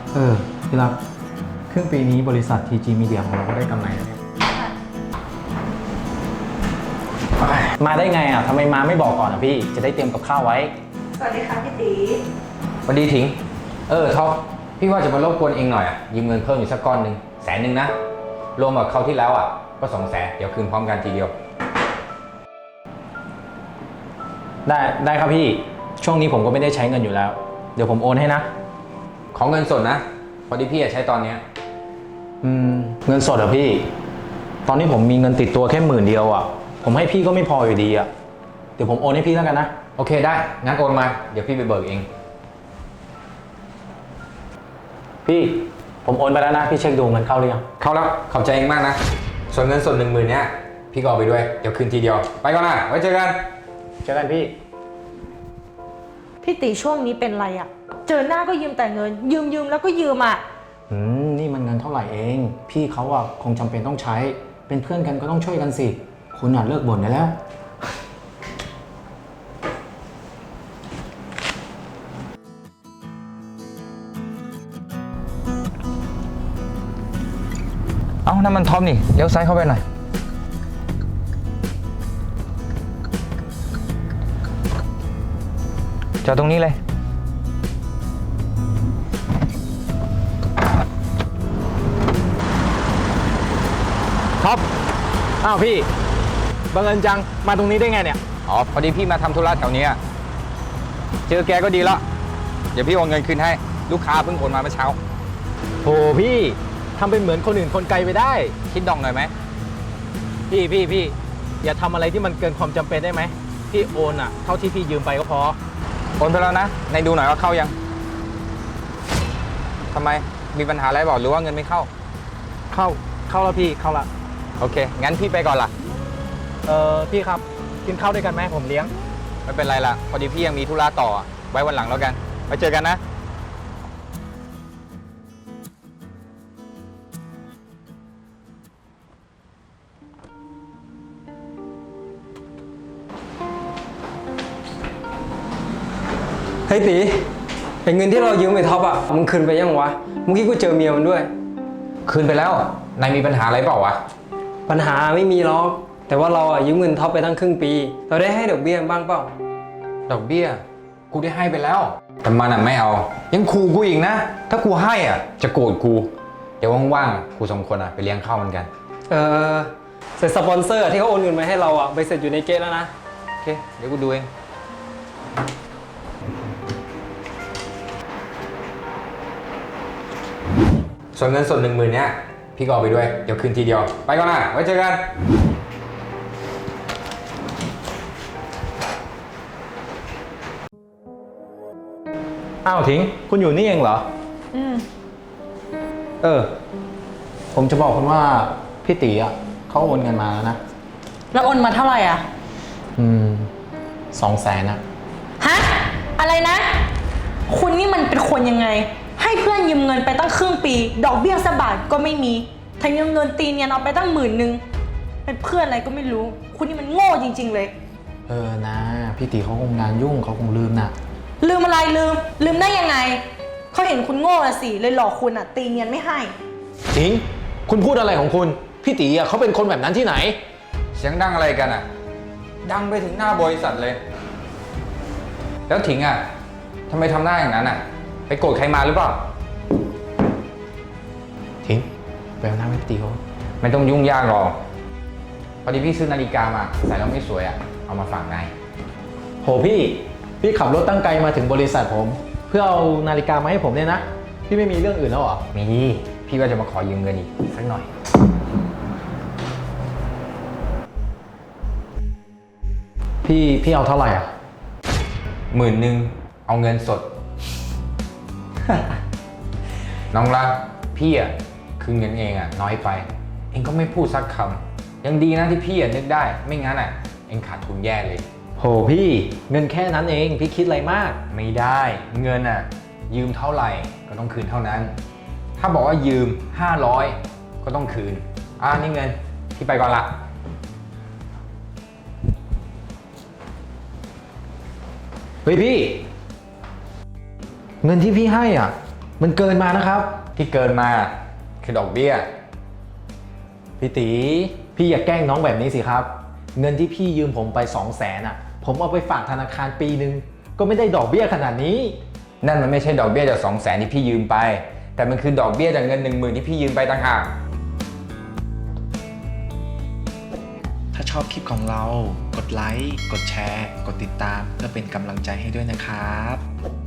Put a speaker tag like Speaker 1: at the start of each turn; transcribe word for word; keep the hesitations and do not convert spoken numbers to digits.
Speaker 1: เออพี่รักครึ่งปีนี้บริษัท ที จี Media ของเราก็ได้กำไรแล้วเนี่ยมาได้ไงอ่ะทำไมมาไม่บอกก่อนอ่ะพี่จะได้เตรียมกับข้าวไว้
Speaker 2: สวัสดีค่ะพี่ตี
Speaker 3: สวัสดีถิงเออท็อปพี่ว่าจะมารบกวนเองหน่อยอ่ะยืมเงินเพิ่มอีกสักก้อนหนึ่งแสนหนึ่งนะรวมกับคราวที่แล้วอ่ะก็สองแสนเดี๋ยวคืนพร้อมกันทีเดียว
Speaker 1: ได้ได้ครับพี่ช่วงนี้ผมก็ไม่ได้ใช้เงินอยู่แล้วเดี๋ยวผมโอนให้นะ
Speaker 3: ของเงินสดนะพอดีพี่อยากใช้ตอนเนี้ย
Speaker 1: อืมเงินสดเหรอพี่ตอนนี้ผมมีเงินติดตัวแค่หมื่นเดียวอ่ะผมให้พี่ก็ไม่พออยู่ดีอ่ะเดี๋ยวผมโอนให้พี่แล้วกันนะ
Speaker 3: โอเคได้งั้นโอนมาเดี๋ยวพี่ไปเบิกเอง
Speaker 1: พี่ผมโอนไปแล้วนะพี่เช็คดูเงินเข้าหรือยัง
Speaker 3: เข้าแล้วขอบใจเองมากนะส่วนเงินสดหนึ่งหมื่นเนี้ยพี่ก็เอาไปด้วยเดี๋ยวคืนทีเดียวไปก่อนนะไว้เจอกัน
Speaker 1: เจอกันพี่
Speaker 2: พี่ตีช่วงนี้เป็นไรอะเจอหน้าก็ยืมแต่เงินยืมยืมแล้วก็ยืมอะ
Speaker 1: อืมนี่มันเงินเท่าไหร่เองพี่เขาอะคงจำเป็นต้องใช้เป็นเพื่อนกันก็ต้องช่วยกันสิคุณอะเลิกบ่นได้แล้ว
Speaker 3: เอ้านั่นมันท็อปนี่เลี้ยวซ้ายเข้าไปหน่อยจอดตรงนี้เลย
Speaker 1: ท็อปอ้าวพี่บังเอิญจังมาตรงนี้ได้ไงเนี่ย
Speaker 3: อ๋อพอดีพี่มาทำธุระแถวนี้เจอแกก็ดีแล้วเดี๋ยวพี่โอนเงินคืนให้ลูกค้าเพิ่งโอนมาเมื่อเช้า
Speaker 1: โธ่พี่ทำเป็นเหมือนคนอื่นคนไกลไปได้
Speaker 3: คิดดองหน่อยไหม
Speaker 1: พี่พี่พี่อย่าทำอะไรที่มันเกินความจำเป็นได้ไหมพี่โอนอะเท่าที่พี่ยืมไปก็พอ
Speaker 3: โอนไปแล้วนะในดูหน่อยว่าเข้ายังทำไมมีปัญหาอะไรบอกหรือว่าเงินไม่เข้า
Speaker 1: เข้าเข้าแล้วพี่เข้าละ
Speaker 3: โอเคงั้นพี่ไปก่อนล่ะ
Speaker 1: เออพี่ครับกินข้าวด้วยกันไหมผมเลี้ยง
Speaker 3: ไม่เป็นไรล่ะพอดีพี่ยังมีธุระต่อไว้วันหลังแล้วกันไปเจอกันนะ
Speaker 4: เฮ้ยตีไอ้เงินที่เรายืมไปท็อปอ่ะมึงคืนไปยังวะเมื่อกี้กูเจอเมียมันด้วย
Speaker 3: คืนไปแล้วนายมีปัญหาอะไรเปล่าวะ
Speaker 4: ปัญหาไม่มีหรอกแต่ว่าเราอ่ะยืมเงินท็อปไปตั้งครึ่งปีเราได้ให้ดอกเบี้ยบ้างเปล่า
Speaker 3: ดอกเบี้ยกูได้ให้ไปแล้วแต่มันอ่ะไม่เอายังขู่กูอีกนะถ้ากูให้อ่ะจะโกรธกูเดี๋ยวว่างๆกูสองคนอ่ะไปเลี้ยงข้าวมันกัน
Speaker 4: เออเสร็จสปอนเซอร์ที่เขาโอนเงินมาให้เราอ่ะใบเสร็จอยู่ในเกตแล้วนะ
Speaker 3: โอเคเดี๋ยวกูดูเองส่วนเงินสดหนึ่งหมื่นเนี้ยพี่ก็เอาไปด้วยเดี๋ยวคืนทีเดียวไปก่อนนะไว้เจอกัน
Speaker 1: อ้าวทิ้งคุณอยู่นี่เองเหรอ
Speaker 2: อืม
Speaker 1: เออผมจะบอกคุณว่าพี่ตีอ่ะเขาโอนเงินมาแล้วนะ
Speaker 2: แล้วโอนมาเท่าไหร่อ่ะ
Speaker 1: อืมสองแสนนะ
Speaker 2: ฮะอะไรนะคุณนี่มันเป็นคนยังไงให้เพื่อนยืมเงินไปตั้งครึ่งปีดอกเบี้ยสักบาทก็ไม่มีแถมยังเงินตีเนียนเอาไปตั้งหมื่นนึงเป็นเพื่อนอะไรก็ไม่รู้คุณนี่มันโง่จริงๆเลย
Speaker 1: เออนะพี่ตีเขาคงงานยุ่งเขาคงลืมนะ
Speaker 2: ลืมอะไรลืมลืมได้ยังไงเขาเห็นคุณโง่ละสิเลยหลอกคุณอ่ะตีเนียนไม่ให้
Speaker 1: จริงคุณพูดอะไรของคุณพี่ตีอ่ะเขาเป็นคนแบบนั้นที่ไหน
Speaker 3: เสียงดังอะไรกันอ่ะดังไปถึงหน้าบริษัทเลยแล้วถิงอ่ะทำไมทำหน้าอย่างนั้นอ่ะไปโกรธใครมาหรือเปล่า
Speaker 1: ทิ้งไปเอาหน้าไม่ตีเขา
Speaker 3: ไม่ต้องยุ่งยากหรอกพอดีพี่ซื้อนาฬิกามาใส่แล้วไม่สวยอ่ะเอามาฝากนาย
Speaker 1: โหพี่พี่ขับรถตั้งไกลมาถึงบริษัทผมเพื่อเอานาฬิกามาให้ผมเนี่ยนะพี่ไม่มีเรื่องอื่นแล้วเหรอ
Speaker 3: มีพี่ก็จะมาขอยืมเงินอีกสักหน่อย
Speaker 1: พี่พี่เอาเท่าไหร่อ่ะ
Speaker 3: หมื่นหนึ่งเอาเงินสด น้องรักพี่อ่ะคือเงินเองอ่ะน้อยไปเองก็ไม่พูดสักคำยังดีนะที่พี่อ่ะนึกได้ไม่งั้นอ่ะเองขาดทุนแย่เลย
Speaker 1: โหพี่เงินแค่นั้นเองพี่คิดอะไรมาก
Speaker 3: ไม่ได้เงินอ่ะยืมเท่าไหร่ก็ต้องคืนเท่านั้นถ้าบอกว่ายืมห้าร้อยก็ต้องคืนอ่านี่เงินพี่ไปก่อนละ
Speaker 1: เฮ้ยพี่เงินที่พี่ให้อ่ะมันเกินมานะครับ
Speaker 3: ที่เกินมาคือดอกเบี้ย
Speaker 1: พี่ตีพี่อย่าแกล้งน้องแบบนี้สิครับ เงินที่พี่ยืมผมไปสองแสนอ่ะ ผมเอาไปฝากธนาคารปีหนึ่งก็ไม่ได้ดอกเบี้ยขนาดนี้
Speaker 3: นั่นมันไม่ใช่ดอกเบี้ยจากสองแสนที่พี่ยืมไป แต่มันคือดอกเบี้ยจากเงินหนึ่งหมื่นที่พี่ยืมไปต่างหาก
Speaker 5: ถ้าชอบคลิปของเรา กดไลค์ กดแชร์ กดติดตามเพื่อเป็นกำลังใจให้ด้วยนะครับ